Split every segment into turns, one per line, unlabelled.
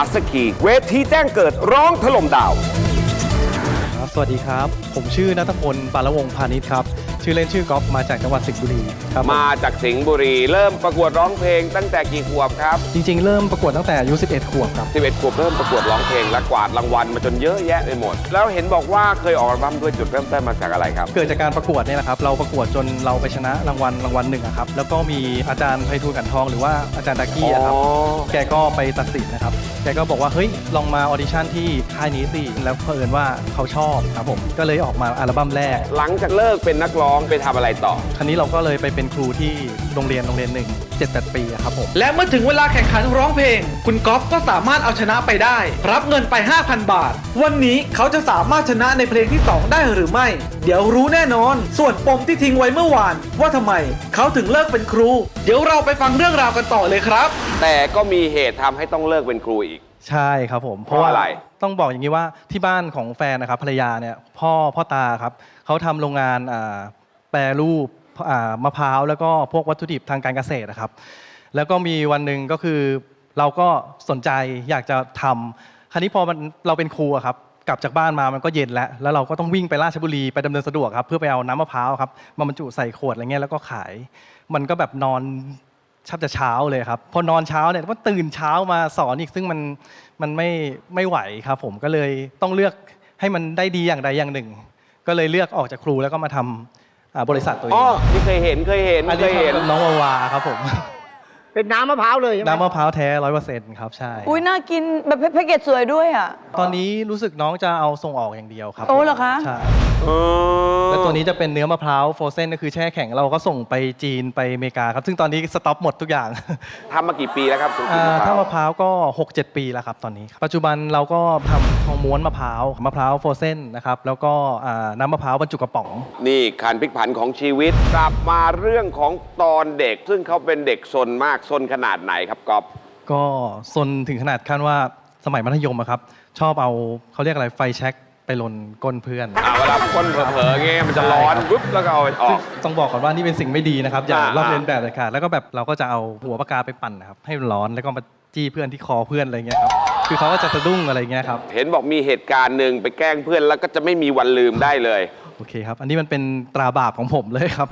สกีเวทีแจ้งเกิดร้องถล่มดาว
สวัสดีครับผมชื่อณัฐพล ปานวงศ์พาณิชย์ครับชื่อเล่นชื่อก๊อฟมาจากจังหวัดสิงห์บุรีครับ
มาจากสิงห์บุรีเริ่มประกวดร้องเพลงตั้งแต่กี่ขวบครับ
จริงๆเริ่มประกวดตั้งแต่อายุ11 ขวบครับ
11 ขวบเริ่มประกวดร้องเพลงและกวาดรางวัลมาจนเยอะแยะไปหมดแล้วเห็นบอกว่าเคยออกอัลบั้มด้วยจุดเริ่มต้นมาจากอะไรครับ
เกิดจากการประกวดนี่แหละครับเราประกวดจนเราไปชนะรางวัลหนึ่งครับแล้วก็มีอาจารย์ไพฑูรย์กันทองหรือว่าอาจารย์ดากี้ครับแกก็ไปตัดสินนะครับแกก็บอกว่าเฮ้ยลองมาออดิชั่นที่ค่ายนี้สิแล้วเผอิญว่าเขาชอบครับผมก็เลยออกมาอัลบั้มแรก
หลังจากเลิกเป็นนักร้องไปทำอะไรต่อ
คราวนี้เราก็เลยไปเป็นครูที่โรงเรียนหนึ่ง7-8 ปีครับผม
และเมื่อถึงเวลาแข่งขันร้องเพลงคุณก๊อฟก็สามารถเอาชนะไปได้รับเงินไป 5,000 บาทวันนี้เขาจะสามารถชนะในเพลงที่ 2 ได้หรือไม่เดี๋ยวรู้แน่นอนส่วนปมที่ทิ้งไว้เมื่อวานว่าทำไมเขาถึงเลิกเป็นครูเดี๋ยวเราไปฟังเรื่องราวกันต่อเลยครับ
แต่ก็มีเหตุทำให้ต้องเลิกเป็นครูอีก
ใช่ครับผม
เพราะอะไร
ต้องบอกอย่างนี้ว่าที่บ้านของแฟนนะครับภรรยาเนี่ยพ่อตาครับเขาทำโรงงานแปรรูปมะพร้าวแล้วก็พวกวัตถุดิบทางการเกษตรนะครับแล้วก็มีวันหนึ่งก็คือเราก็สนใจอยากจะทำคราวนี้พอเราเป็นครูครับกลับจากบ้านมามันก็เย็นแล้วเราก็ต้องวิ่งไปราชบุรีไปดำเนินสะดวกครับเพื่อไปเอาน้ำมะพร้าวครับมาบรรจุใส่ขวดอะไรเงี้ยแล้วก็ขายมันก็แบบนอนชับจะเช้าเลยครับพอนอนเช้าเนี่ยก็ตื่นเช้ามาสอนอีกซึ่งมันไม่ไหวครับผมก็เลยต้องเลือกให้มันได้ดีอย่างใดอย่างหนึ่งก็เลยเลือกออกจากครูแล้วก็มาทำบริษัทตัวเอง
อ๋อที่เคยเห็น
อันนี้น้องวาครับผม
เป็นน้ำมะพร้าวเลยใช่ไหม
น้ำมะพร้าวแท้ 100% ครับใช่
อุ้ยน่ากินแบบแพ็กเกจสวยด้วยอ่ะ
ตอนนี้รู้สึกน้องจะเอาส่งออกอย่างเดียวครับ
โอ้เหรอคะ
ใช่แล้วตัวนี้จะเป็นเนื้อมะพร้าวโฟรเซนก็คือแช่แข็งเราก็ส่งไปจีนไปอเมริกาครับซึ่งตอนนี้สต็อปหมดทุกอย่าง
ทำมากี่ปีแล้วครับ
ถ้ามะพร้าวก็ 6-7 ปีแล้วครับตอนนี้ปัจจุบันเราก็ทำทองม้วนมะพร้าวโฟรเซนนะครับแล้วก็น้ำมะพร้าวบรรจุกระป๋อง
นี่การพลิกผันของชีวิตกลับมาเรื่องของตอนเด็กซึ่งเขาเป็นเด็กซนมากซนขนาดไหนครับก๊อฟ
ก็ซนถึงขนาดขั้นว่าสมัยมัธยมครับชอบเอาเขาเรียกอะไรไฟแช็กไปลนก้นเพื่อน
เวลาก้นเผลอๆเงี้ยมันจะร้อนปุ๊บแล้วก็เอาออก
ต้องบอกก่อนว่านี่เป็นสิ่งไม่ดีนะครับอย่าลอกเลียนแบบเลยค่ะแล้วก็แบบเราก็จะเอาหัวปากกาไปปั่นนะครับให้มันร้อนแล้วก็มาจี้เพื่อนที่คอเพื่อนอะไรเงี้ยครับคือเขาก็จะสะดุ้งอะไรเงี้ยครับ
เห็นบอกมีเหตุการณ์หนึ่งไปแกล้งเพื่อนแล้วก็จะไม่มีวันลืมได้เลย
โอเคครับอันนี้มันเป็นตราบาปของผมเลยครับ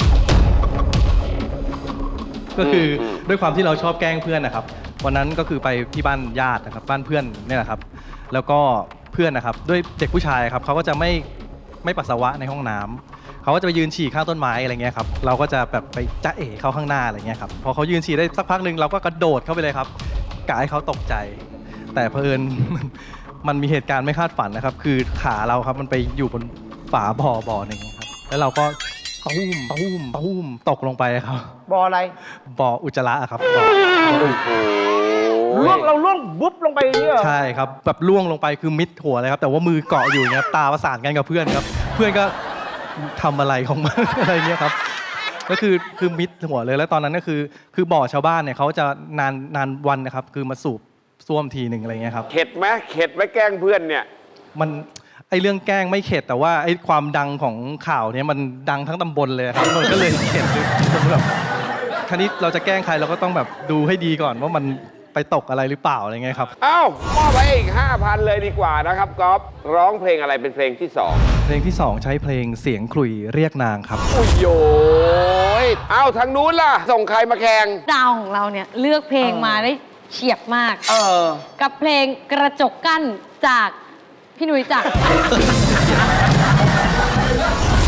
ก็คือด้วยความที่เราชอบแกล้งเพื่อนนะครับวันนั้นก็คือไปที่บ้านญาตินะครับบ้านเพื่อนเนี่ยแหละครับแล้วก็เพื่อนนะครับด้วยเด็กผู้ชายครับเขาก็จะไม่ปัสสาวะในห้องน้ำเขาก็จะไปยืนฉี่ข้างต้นไม้อะไรเงี้ยครับเราก็จะแบบไปจ๊ะเอ๋เขาข้างหน้าอะไรเงี้ยครับพอเขายืนฉี่ได้สักพักหนึ่งเราก็กระโดดเข้าไปเลยครับกะให้เขาตกใจแต่เผอิญมันมีเหตุการณ์ไม่คาดฝันนะครับคือขาเราครับมันไปอยู่บนฝาบ่อหนึ่งครับแล้วเราก็ตุ้มตกลงไปครับ
บ่ออะไร
บ่ออุจจาระครับ
เราล่วงบุ๊บลงไปอย่างนี้เหรอ
ใช่ครับแบบล่วงลงไปคือมิดหัวเลยครับแต่ว่ามือเกาะอยู่เงี้ยตาประสานกันกับเพื่อนครับเพื่อนก็ทำอะไรของมันอะไรเงี้ยครับก็คือมิดหัวเลยแล้วตอนนั้นก็คือบ่อชาวบ้านเนี่ยเขาจะนานวันนะครับคือมาสูบซ่วมทีหนึ่งอะไรเงี้ยครับ
เข็ดไหมแกล้งเพื่อนเนี่ย
มันไอเรื่องแกล้งไม่เข็ดแต่ว่าไอความดังของข่าวเนี้ยมันดังทั้งตำบลเลยครับมันก็เลยเข็ดจนแบบคราวนี้เราจะแกล้งใครเราก็ต้องแบบดูให้ดีก่อนว่ามันไปตกอะไรหรือเปล่าอะไรเงี้ยครับ
มอบไปอีก 5,000 เลยดีกว่านะครับก๊อฟร้องเพลงอะไรเป็นเพลงที่2
เพลงที่2ใช้เพลงเสียงขลุ่ยเรียกนางครับ
โอ้ยโยทางนู้นล่ะส่งใครมาแข่ง
ดาวของเราเนี่ยเลือกเพลงมาได้เฉียบมากกับเพลงกระจกกั้นจากพี่หนุ่ยจักร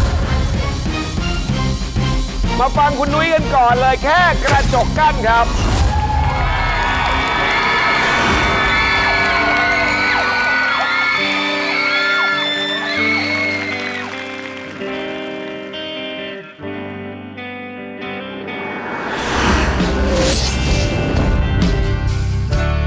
มาฟังคุณนุ้ยกันก่อนเลยแค่กระจกกั้นครับ